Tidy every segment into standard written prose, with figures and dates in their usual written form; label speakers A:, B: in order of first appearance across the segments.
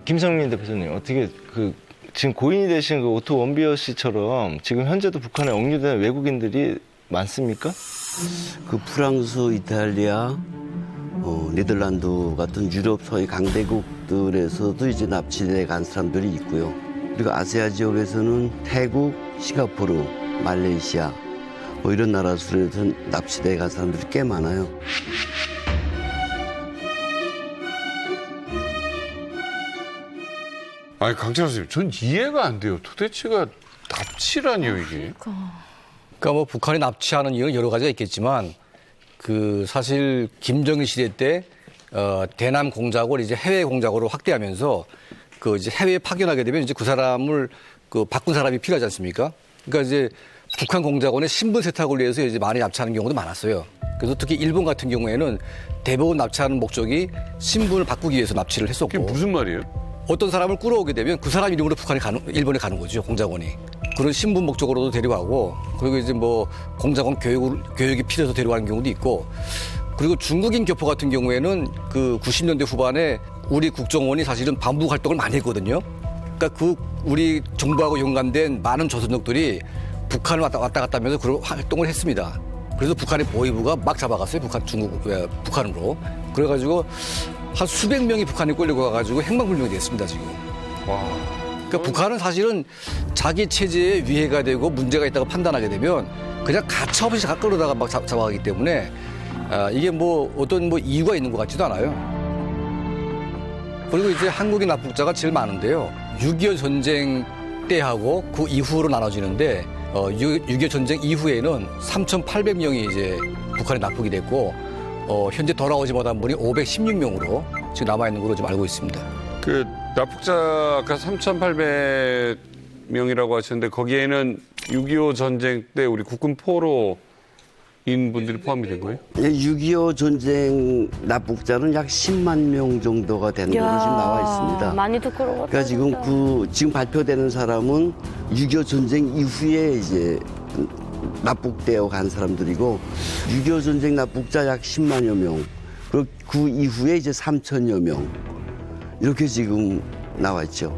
A: 김성민 대표님 어떻게 지금 고인이 되신 그 오토 원비어 씨처럼 지금 현재도 북한에 억류된 외국인들이 많습니까?
B: 그 프랑스, 이탈리아, 네덜란드 같은 유럽 소위 강대국들에서도 이제 납치돼 간 사람들이 있고요. 그리고 아시아 지역에서는 태국, 싱가포르, 말레이시아 뭐 이런 나라에서 납치돼 간 사람들이 꽤 많아요.
C: 아니 강찬호 선생님, 전 이해가 안 돼요. 도대체가 납치라니요 이게?
D: 그러니까 뭐 북한이 납치하는 이유는 여러 가지가 있겠지만 그 사실 김정일 시대 때 대남 공작을 이제 해외 공작으로 확대하면서 그 이제 해외에 파견하게 되면 이제 그 사람을 그 바꾼 사람이 필요하지 않습니까? 그러니까 이제 북한 공작원의 신분 세탁을 위해서 이제 많이 납치하는 경우도 많았어요. 그래서 특히 일본 같은 경우에는 대부분 납치하는 목적이 신분을 바꾸기 위해서 납치를 했었고.
C: 그게 무슨 말이에요?
D: 어떤 사람을 끌어오게 되면 그 사람 이름으로 일본에 가는 거죠, 공작원이. 그런 신분 목적으로도 데려가고, 그리고 이제 뭐 공작원 교육이 필요해서 데려가는 경우도 있고, 그리고 중국인 교포 같은 경우에는 그 90년대 후반에 우리 국정원이 사실은 반북 활동을 많이 했거든요. 그러니까 그 우리 정부하고 연관된 많은 조선족들이 북한을 왔다 갔다 하면서 그런 활동을 했습니다. 그래서 북한의 보위부가 막 잡아갔어요, 북한으로. 그래가지고 한 수백 명이 북한에 끌려고 가가지고 행방불명이 됐습니다, 지금.
C: 와.
D: 그러니까 북한은 사실은 자기 체제에 위해가 되고 문제가 있다고 판단하게 되면 그냥 가차없이 끌어다가 막 잡아가기 때문에 이게 뭐 어떤 뭐 이유가 있는 것 같지도 않아요. 그리고 이제 한국인 납북자가 제일 많은데요. 6.25 전쟁 때하고 그 이후로 나눠지는데 6.25 전쟁 이후에는 3,800명이 이제 북한에 납북이 됐고 현재 돌아오지 못한 분이 516명으로 지금 남아있는 걸로 지금 알고 있습니다.
C: 그 납북자 아까 3,800명이라고 하셨는데 거기에는 6.25 전쟁 때 우리 국군 포로인 분들이 포함이 된 거예요?
B: 6.25 전쟁 납북자는 약 10만 명 정도가 되는 걸로 지금 나와 있습니다.
E: 많이도 끌어갔다.
B: 그러니까 지금 발표되는 사람은 6.25 전쟁 이후에 이제 납북되어 간 사람들이고 6.25 전쟁 납북자 약 10만여 명, 그리고 그 이후에 이제 3천여 명 이렇게 지금 나와 있죠.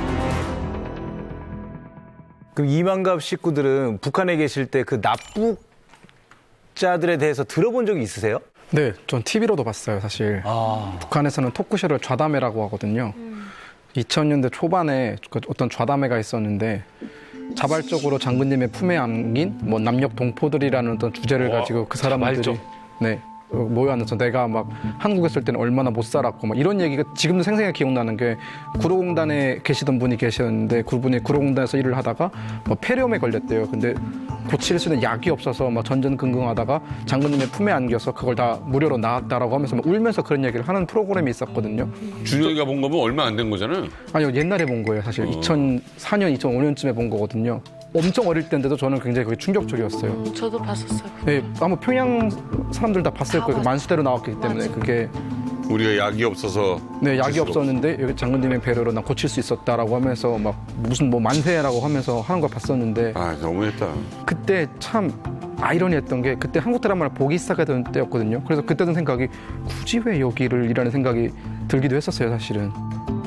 F: 그럼 이만갑 식구들은 북한에 계실 때 그 납북자들에 대해서 들어본 적이 있으세요?
G: 네, 전 TV로도 봤어요, 사실. 북한에서는 토크쇼를 좌담회라고 하거든요. 2000년대 초반에 어떤 좌담회가 있었는데 자발적으로 장군님의 품에 안긴 뭐 남녘 동포들이라는 어떤 주제를 가지고 그 사람들이 네, 모여앉아서 내가 막 한국에 있을 때는 얼마나 못 살았고 막 이런 얘기가 지금도 생생하게 기억나는 게 구로공단에 계시던 분이 계셨는데 그분이 구로공단에서 일을 하다가 뭐 폐렴에 걸렸대요. 근데 고칠 수 있는 약이 없어서 막 전전긍긍하다가 장군님의 품에 안겨서 그걸 다 무료로 나았다라고 하면서 막 울면서 그런 얘기를 하는 프로그램이 있었거든요.
C: 준영이가 본 거면 얼마 안 된 거잖아요.
G: 아니요, 옛날에 본 거예요. 사실 2004년, 2005년쯤에 본 거거든요. 엄청 어릴 때인데도 저는 굉장히 그게 충격적이었어요.
E: 저도 봤었어요.
G: 네, 아마 평양 사람들 다 봤을 거예요. 만수대로 나왔기 때문에
E: 맞아.
G: 그게
C: 우리가 약이 없어서
G: 네,
C: 고칠
G: 약이
C: 수가
G: 없었는데 여기 장군님의 배려로 난 고칠 수 있었다라고 하면서 막 무슨 뭐 만세라고 하면서 하는 걸 봤었는데
C: 아 너무했다.
G: 그때 참 아이러니했던 게 그때 한국 드라마를 보기 시작하던 때였거든요. 그래서 그때 든 생각이 굳이 왜 여기를 이라는 생각이 들기도 했었어요, 사실은.